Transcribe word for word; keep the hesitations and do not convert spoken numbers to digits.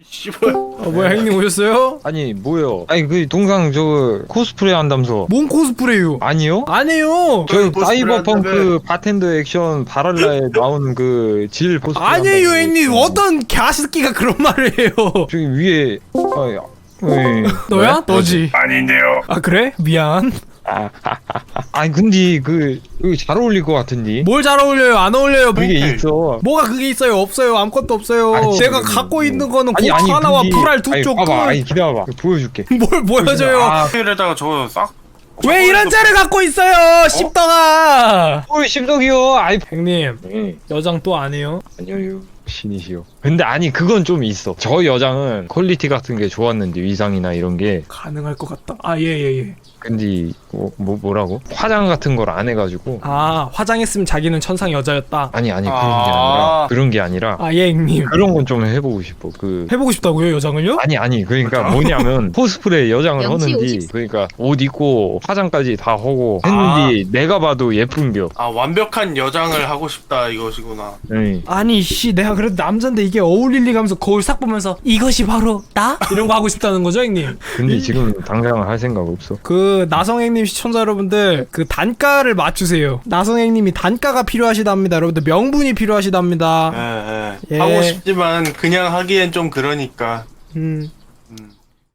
씨발. 아 뭐야 형님 오셨어요? 아니 뭐요? 아니 그 동상 저 코스프레 한다면서. 뭔 코스프레요? 아니요? 아니에요. 저 코스프레 사이버펑크 한다며. 바텐더 액션 바랄라에 나오는 그 질 코스프레. 아니에요 한다고 형님. 했잖아. 어떤 갸스끼가 그런 말을 해요. 저기 위에 아, 야. 왜? 너야? 너지. 아닌데요. 아 그래? 미안. 아니 근데 그 잘 어울릴 것 같은데. 뭘 잘 어울려요? 안 어울려요? 뭐, 그게 있어. 뭐가 그게 있어요? 없어요. 아무것도 없어요. 아니, 내가 지금 갖고 뭐- 있는 거는 아니, 고추 아니, 하나와 근데- 불알 두 아니, 쪽. 봐봐, 끝. 아니 기다려봐. 보여줄게. 뭘 보여줘요? 아, 에다가 저거 싹. 왜 이런 자를 갖고 있어요? 씹덩아. 뭘 심덕이요? 아이, 형님 네. 여장 또 안 해요? 아니요. 신이시여. 근데 아니 그건 좀 있어. 저 여장은 퀄리티 같은 게 좋았는데 위상이나 이런 게. 가능할 것 같다. 아 예 예 예. 근데 뭐, 뭐 뭐라고? 화장 같은 걸 안 해가지고. 아 화장했으면 자기는 천상 여자였다. 아니 아니 그런 게 아. 아니라 그런 게 아니라 아 예 형님. 그런 건 좀 해보고 싶어. 그 해보고 싶다고요 여장을요? 아니 아니 그러니까 뭐냐면 코스프레 여장을 영치 하는데 오십. 그러니까 옷 입고 화장까지 다 하고 했는데 내가 봐도 예쁜겨. 아 완벽한 여장을 하고 싶다 이것이구나. 네. 아니 씨 내가 그래도 남잔데 이게 어울릴 리가 하면서 거울 싹 보면서 이것이 바로 나? 이런 거 하고 싶다는 거죠 형님? 근데 지금 당장 할 생각 없어. 그 나성행님 시청자 여러분들 그 단가를 맞추세요. 나성행님이 단가가 필요하시답니다. 여러분들 명분이 필요하시답니다. 예, 예. 예. 하고 싶지만 그냥 하기엔 좀 그러니까. 음